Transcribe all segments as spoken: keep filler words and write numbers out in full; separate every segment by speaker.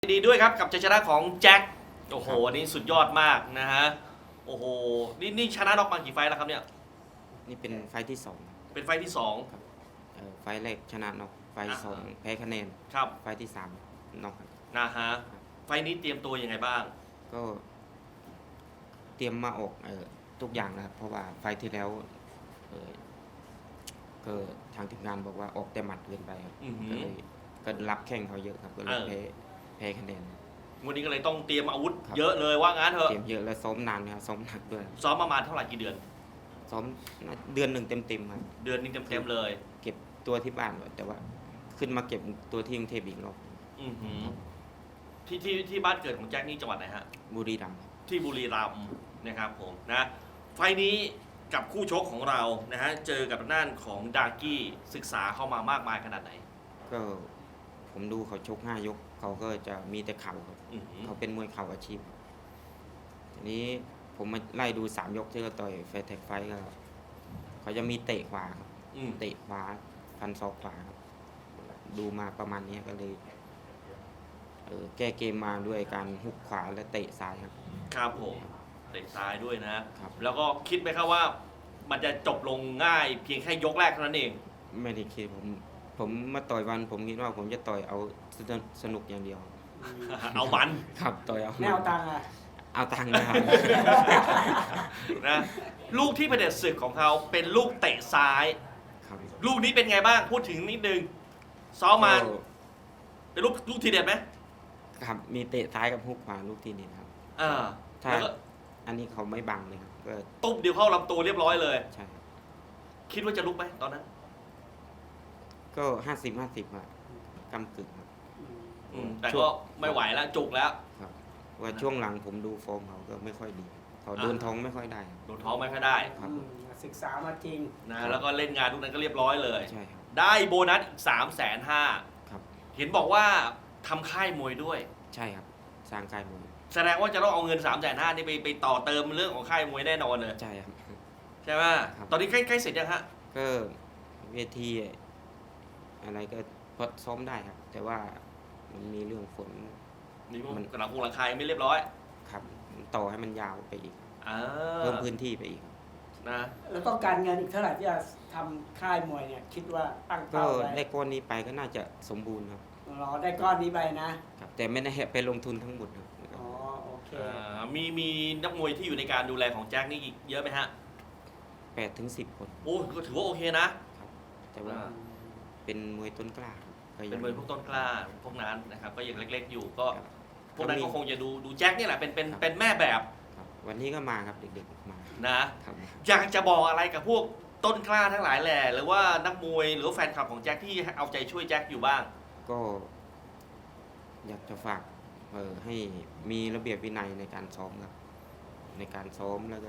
Speaker 1: ดีด้วยครับกับชัยชนะของแจ็คโอ้โหอันนี้สุดยอดมากนะฮะโอ้โหนี่นี่ชนะน็อกมากี่ไฟล์แล้วครับเนี่ย
Speaker 2: นี่เป็นไฟล์ที่สอง
Speaker 1: เป็นไฟล์ที่สอง
Speaker 2: ครับเอ่อไฟล์แรกชนะน็อกไฟล์ที่สอง
Speaker 1: อ่าฮะ
Speaker 2: แพ้คะแนน
Speaker 1: ครับ
Speaker 2: ไฟล์ที่สามน็อกครับ
Speaker 1: นะฮะไฟล์นี้เตรียมตัวยังไงบ้าง
Speaker 2: ก็เตรียมมาออกเอ่อทุกอย่างนะครับเพราะว่าไฟล์ที่แล้วเอ่อก็ทางทีมงานบอกว่าออกแต่หมัดเกินไปครับ
Speaker 1: อือหือ
Speaker 2: ก็เลยก็รับแข้งเขาเยอะครับก็เลย
Speaker 1: เออ
Speaker 2: แพ้แพ้คะแนน
Speaker 1: วันนี้ก็เลยต้องเตรียมอาวุธ
Speaker 2: ครับ
Speaker 1: เยอะเลยว่างั้นเถอะ
Speaker 2: เตรียมเยอะและซ้อมนานนะครับซ้อมหนักด้วย
Speaker 1: ซ้อมประมาณเท่าไหร่กี่เดือน
Speaker 2: ซ้อมน่าเดือนหนึ่งเต็มๆครับ
Speaker 1: เดือนนึงเต็มๆเลย
Speaker 2: เก็บตัวที่บ้านก่อนแต่ว่าขึ้นมาเก็บตัวที่กรุงเทพอีกรอบ
Speaker 1: อือหือที่ที่ที่บ้านเกิดของแจ็คนี่จังหวัดไหนฮะ
Speaker 2: บุรีรัมย์
Speaker 1: ที่บุรีรัมย์นะครับผมนะไฟล์นี้กับคู่ชกของเรานะฮะเจอกับด้านของดาร์กี้ศึกษาเข้ามามากมายขนาดไหน
Speaker 2: ก็ผมดูเขาชกห้ายก เขาก็จะมีแต่เข่าครับ
Speaker 1: อือหือ
Speaker 2: เขาเป็นมวยเข่าอาชีพครับทีนี้ผมมาไล่ดูสามยกที่เขาต่อยแฟร์แท็กไฟท์ก็เขาจะมีเตะขวาครับ
Speaker 1: อืม
Speaker 2: เตะขวาฟันศอกขวาครับ ดูมาประมาณนี้ก็เลยเออแก้เกมมาด้วยการฮุกขวาและเตะซ้ายครับ
Speaker 1: ครับผมเตะซ้ายด้วยนะ
Speaker 2: ครับ
Speaker 1: แล้วก็คิดไหมครับว่ามันจะจบลงง่ายเพียงแค่ยกแรกเท่านั้นเอง
Speaker 2: ไม่ได้คิดผม ผมมาต่อยวัน ผมคิดว่าผมจะต่อยเอาสนุกอย่างเดียว
Speaker 1: เอามัน
Speaker 2: ครับต่อยเอา
Speaker 3: ไม่เอาตังค์อ่ะ
Speaker 2: เอาตังค์นะครับ
Speaker 1: นะลูกที่เป็นเด็ดศึกของเขาเป็นลูกเตะซ้าย
Speaker 2: ครับ
Speaker 1: ลูกนี้เป็นไงบ้างพูดถึงนิดนึงซ้อมมาเป็นลูกลูกทีเด็ดไหม
Speaker 2: ครับมีเตะซ้ายกับฮุกขวาลูกทีนี้ครับ
Speaker 1: อ่า
Speaker 2: ถ้า
Speaker 1: แล้วก็
Speaker 2: อันนี้เขาไม่บังเลยครับก็
Speaker 1: ตุ๊บเดียวเข้าลำตัวเรียบร้อยเลย
Speaker 2: ใช่ครับ
Speaker 1: คิดว่าจะลุกไหมตอนนั้น
Speaker 2: ก็ห้าสิบห้าสิบอะกำกึ่งครับ
Speaker 1: อืมแต่ก็ไม่ไหวแล้วจุกแล้ว
Speaker 2: ครับว่าช่วงหลังผมดูฟอร์มเขาก็ไม่ค่อยดีเขาเดินท้องไม่ค่อยได้ครับ
Speaker 1: โดนท้องไม่ค่อยได้
Speaker 2: ครับ
Speaker 3: อืมศึกษามาจริง
Speaker 1: นะแล้วก็เล่นงานทุกนั้นก็เรียบร้อยเลย
Speaker 2: ใช่ครับ
Speaker 1: ได้โบนัสอีกสามแสนห้า
Speaker 2: ครับ
Speaker 1: เห็นบอกว่าทำค่ายมวยด้วย
Speaker 2: ใช่ครับสร้างกายมวย
Speaker 1: แสดงว่าจะต้องเอาเงิน3ามแสนห้านี่ไปไปต่อเติมเรื่องของค่ายมวยแน่นอนเลย
Speaker 2: ใช่ครับ
Speaker 1: ใช่ไหม
Speaker 2: ครับ
Speaker 1: ตอนนี้ใกล้ใกล้เสร็จยังฮะ
Speaker 2: ก็เวทีอะไรก็พอซ้อมได้ครับ แต่ว่ามันมีเรื่องฝน
Speaker 1: นี่พวก
Speaker 2: มัน
Speaker 1: กระหลังคงหลังคายไม่เรียบร้อย
Speaker 2: ครับต่อให้มันยาวไปอีก
Speaker 1: อ่า
Speaker 2: เพิ่มพื้นที่ไปอีก
Speaker 1: นะ
Speaker 3: แล้วต้องการเงินอีกเท่าไหร่ที่จะทำค่ายมวยเนี่ย คิดว่าตั้ง
Speaker 2: ก็
Speaker 3: เป้าไว้
Speaker 2: ได้ก้อนนี้ไปก็น่าจะสมบูรณ์ครับ
Speaker 3: รอได้ก้อนนี้ไปนะ
Speaker 2: ครับ แต่ไม่ได้ไปลงทุนทั้งหมดครับ
Speaker 3: อ๋อ โอเค
Speaker 1: อ่ามีมีนักมวยที่อยู่ในการดูแลของแจ็คนี่อีกเยอะไหมฮะ
Speaker 2: แปดถึงสิบคน
Speaker 1: โอ้ก็ถือว่าโอเคนะ
Speaker 2: ครับ แต่ว่า
Speaker 1: อ่า
Speaker 2: เป็นมวยต้นกล้าครับก็ยัง
Speaker 1: เป็นมวยพวกต้นกล้าพวกนั้นนะครับก็ยังเล็กๆอยู่ก็
Speaker 2: ครับ
Speaker 1: พวกนั้นก็คงจะดูดูแจ็คนี่แหละเป็นเป็น
Speaker 2: ครับ
Speaker 1: เป็นแม่แบบ
Speaker 2: ครับ วันนี้ก็มาครับเด็กๆมา
Speaker 1: นะครับ อยากจะบอกอะไรกับพวกต้นกล้าทั้งหลายแหละหรือว่านักมวยหรือว่าแฟนคลับของแจ็คที่เอาใจช่วยแจ็คอยู่บ้าง
Speaker 2: ก็ อยากจะฝากเออให้มีระเบียบวินัยในการซ้อมครับ ในการซ้อมแล้วก็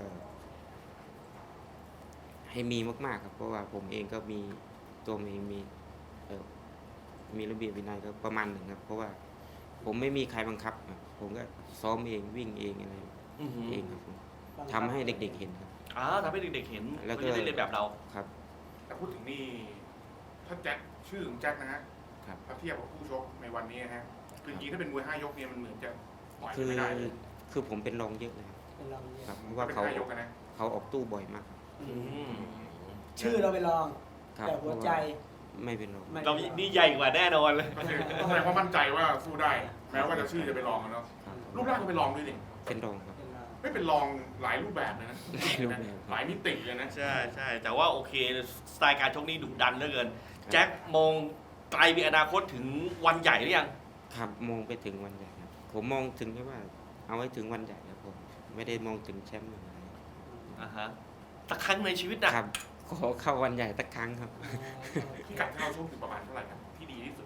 Speaker 2: ให้มีมากๆครับ เพราะว่าผมเองก็มีตัวผมเองมีเออมีระเบียบวินัยก็ประมาณหนึ่งครับ เพราะว่าผมไม่มีใครบังคับครับผมก็ซ้อมเองวิ่งเองอะไร
Speaker 1: อือหือ
Speaker 2: เองครับผมทำให้เด็กๆเห็นครับ
Speaker 1: อ่าทำให้เด็กๆเห็น
Speaker 2: แล้วก็
Speaker 1: ก็จะได้เล่นแบบเรา
Speaker 2: ครับ
Speaker 4: แต่พูดถึงนี่ถ้าแจ็คชื่อของแจ็คนะฮะ
Speaker 2: ครับ
Speaker 4: ถ้าเทียบกับคู่ชกในวันนี้นะฮะคือจริงๆถ้าเป็นมวยห้ายกเนี่ยมันเหมือนจะปล่อย
Speaker 2: คือ
Speaker 4: ไม่ได้เลย
Speaker 2: คือผมเป็นรองเยอะเลยครับ
Speaker 3: เป็นรองเนี่ย
Speaker 2: ครับเพราะ
Speaker 4: ว่า
Speaker 2: ว่า
Speaker 4: เป็น
Speaker 2: เขา
Speaker 4: ห้ายกอะนะ
Speaker 2: เขาออกตู้บ่อยมากครับ
Speaker 3: อื
Speaker 1: อื
Speaker 3: ม
Speaker 1: ม
Speaker 3: ชื่อเราไปลอง
Speaker 2: ครับ
Speaker 3: แต่หัวใจ
Speaker 2: เพราะว่าไม่เป็นรอง
Speaker 3: ไม่
Speaker 1: เรานี่ใหญ่กว่าแน่นอนเลย
Speaker 4: ก็คือต้องแสดงว่ามั่นใจว่าสู้ได้ แม้ว่าจะชื่อจะเป็นรองอะเนาะ
Speaker 2: ครับ
Speaker 4: รูปร่างก็เป็นรองด้วยนี่
Speaker 2: เป็นรองครับ
Speaker 3: เป็นรอง
Speaker 4: ไม่เป็นรองหลายรูปแบบเลยนะ
Speaker 2: หลายรูปแบบ
Speaker 4: หลายมิติเลยนะ
Speaker 1: ใช่ใช่แต่ว่าโอเคสไตล์การชกนี่ดุดันเหลือเกินแจ็คมองไกลมีอนาคตถึงวันใหญ่หรือยัง
Speaker 2: ครับมองไปถึงวันใหญ่ครับ ผมมองถึงแค่ว่า เอาไว้ถึงวันใหญ่ครับผมไม่ได้มองถึงแชมป์อะไร
Speaker 1: อ่าฮะสักครั้งในชีวิตนะครับ
Speaker 2: ขอเข้าวันใหญ่สักครั้งครับ
Speaker 3: อ๋อโอเค
Speaker 4: ที่กัดเท้าชกถึงประมาณเท่าไหร่ครับที่ดีที่สุด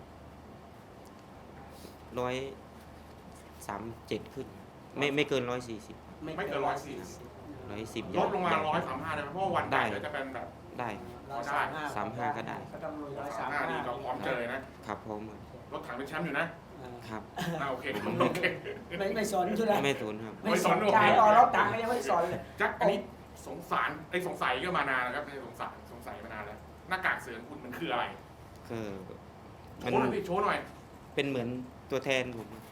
Speaker 2: ร้อยสามเจ็ดขึ้น ไม่ไม่เกินร้อยสี่สิบ
Speaker 4: ไม่เกินร้อยสี่สิบ
Speaker 2: ร้อยสิบ
Speaker 4: ลดลงมาร้อยสามห้าได้ไหมเพราะว่าวันใหญ่
Speaker 2: ได้
Speaker 4: เดี๋ยวจะเป็นแบบ
Speaker 2: ได้
Speaker 3: ร้อยสามห้า
Speaker 2: สามห้าก็ได้
Speaker 3: ก็ต้องลุยร้อย
Speaker 4: สา
Speaker 3: สาม ม
Speaker 4: ห้า
Speaker 3: ห้า
Speaker 4: นี่เราพร้อมเจอเลยนะครับ
Speaker 2: พร้อมครับ
Speaker 4: รถถังเป็นแชมป์อยู่นะ
Speaker 3: อ่า
Speaker 2: ครับ
Speaker 4: อ่าโอเคโอเค
Speaker 3: ไม่ไม่สนใช่ไหม
Speaker 2: ไม่สนครับ
Speaker 3: ไม่สนใจอ๋อรถถังก็ยังไม่สนเลย
Speaker 4: แจ็คอันนี้สงสารไอ้สงสัยก็มานานแล้วครับไม่ใช่สงสารสงสัยมานานแล้วหน้ากากเสือของคุณมันคืออะไร
Speaker 2: ก็
Speaker 4: โช
Speaker 2: มัน
Speaker 4: ว์หน่อยพี่โชว์หน่อย
Speaker 2: เป็นเหมือนตัวแทนผม
Speaker 4: โ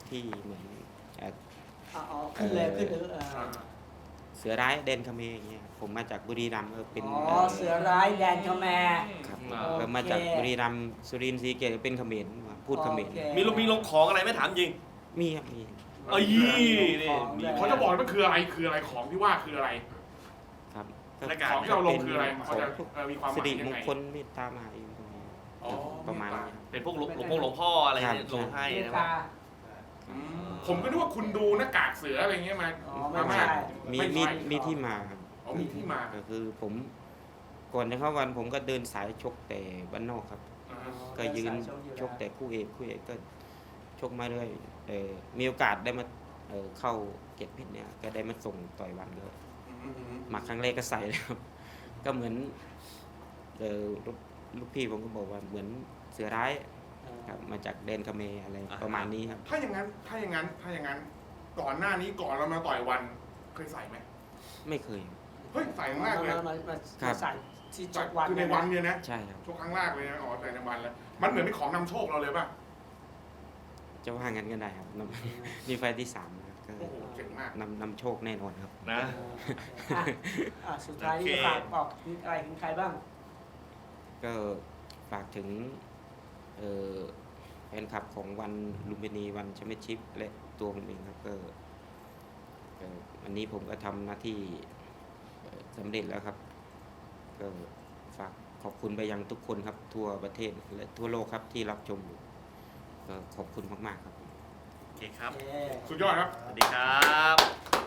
Speaker 2: ที่เหมือนเอ่อ
Speaker 3: อ๋อขึ้นเลยขึ้นเลยเออ
Speaker 4: อ่า
Speaker 2: เสือร้ายแดนเขมรอย่างเงี้ยผมมาจากบุรีรัมย์เออเป็น
Speaker 3: อ๋อเสือร้ายแดนเขมร
Speaker 2: ครับ
Speaker 1: อ่า
Speaker 2: เออมาจากบุรีรัมย์สุรินทร์ศรีสะเกษเป็นเขมรพูดเขมร
Speaker 3: โอเค
Speaker 1: มีลงมีลงของอะไรไหม่ถามจริง
Speaker 2: มีครับมี
Speaker 1: เอ้ยนี่
Speaker 3: ของ
Speaker 1: มี
Speaker 3: ด้วย
Speaker 4: เขาจะบอกว่ามันคืออะไรคืออะไรของที่ว่าคืออะไร
Speaker 2: ครับ
Speaker 1: หน้ากาก
Speaker 4: ของที่เราลงคืออะไร
Speaker 2: ข
Speaker 4: เขา
Speaker 2: อง
Speaker 4: จะ
Speaker 2: พวก
Speaker 4: เอ่อมีความห
Speaker 2: สิ
Speaker 4: มาย
Speaker 2: ริ
Speaker 4: ยั
Speaker 2: ม
Speaker 4: ง
Speaker 2: ง
Speaker 4: ไง
Speaker 2: คลเมตตามหานิยมตรงนี้
Speaker 4: อ๋อ
Speaker 2: ประมาณนี้
Speaker 1: เป็นพวกหลวงหลวงพ่อหลวงพ่ออะไร
Speaker 2: ครับ
Speaker 1: ลงให้
Speaker 3: เมต
Speaker 1: นะ
Speaker 3: ตา
Speaker 4: อืมผมก็นึกว่าคุณดูหน้ากากเสืออะไรเงี้ยมา
Speaker 3: อ๋อไม่
Speaker 4: มา
Speaker 3: ใช่
Speaker 4: มาก
Speaker 2: มี
Speaker 4: ไม่
Speaker 2: มี
Speaker 4: ใช่
Speaker 2: มีที่มาครับ
Speaker 4: อ๋อมีที่มา
Speaker 2: ก็คือผมก่อนจะเข้าวันผมก็เดินสายชกแต่บ้านนอกครับ
Speaker 4: อ่า
Speaker 2: ก็ยืนชกแต่คู่เอกคู่เอกก็ชกมาเรื่อยเออมีโอกาสได้มาเออเข้าเก็บเพชรเนี่ยก็ได้มาส่งต่อยวันก็
Speaker 4: อืมอืมอืม
Speaker 2: มาครั้งแรกก็ใส่เลยครับ ก็เหมือนเออลูกลูกพี่ผมก็บอกว่าเหมือนเสือร้ายครับมาจากแดนเขมรอะไรประมาณนี้ครับ
Speaker 4: ถ้าอย่างนั้นถ้าอย่างนั้นถ้าอย่างนั้น ก่อนหน้านี้ก่อนเรามาต่อยวันเคยใส่ไหม
Speaker 2: ไม่เคย
Speaker 4: เฮ้ยใส่ครั้งแรกเลย
Speaker 3: มามามา
Speaker 2: ครับ
Speaker 3: ใส่ที่ช
Speaker 4: ใส่
Speaker 3: กวัน
Speaker 4: คือในวันเนี่ยนะ
Speaker 2: ใช่ครับ
Speaker 4: ช่วงครั้งแรกเลยนะอ๋อใส่ในวันแล้วมันเหมือนเป็นของนำโชคเราเลยป่ะ
Speaker 2: จะว่างั้นก็ได้ครับนำ มีไฟล์ที่สามนะครับก็
Speaker 4: โอ้โหเจ๋งมาก
Speaker 2: นำนำโชคแน่นอนครับ
Speaker 1: นะ
Speaker 3: อ่ะอ่ะสุดท้ายนี่
Speaker 1: โอเค
Speaker 3: จะฝากบอกอะไรถึงใครบ้าง
Speaker 2: ก็ฝากถึงเอ่อแฟนคลับของวันลุมพินีวันแชมเปี้ยนชิพและตัวผมเองครับก็เอ่อวันนี้ผมก็ทำหน้าที่เอ่อสำเร็จแล้วครับ ก็ฝากขอบคุณไปยังทุกคนครับ ทั่วประเทศและทั่วโลกครับที่รับชมอยู่ก็ขอบคุณมากๆครับ
Speaker 1: โอเคครับ
Speaker 3: โอเค
Speaker 4: สุดยอดครับ
Speaker 1: สวัสดีครับ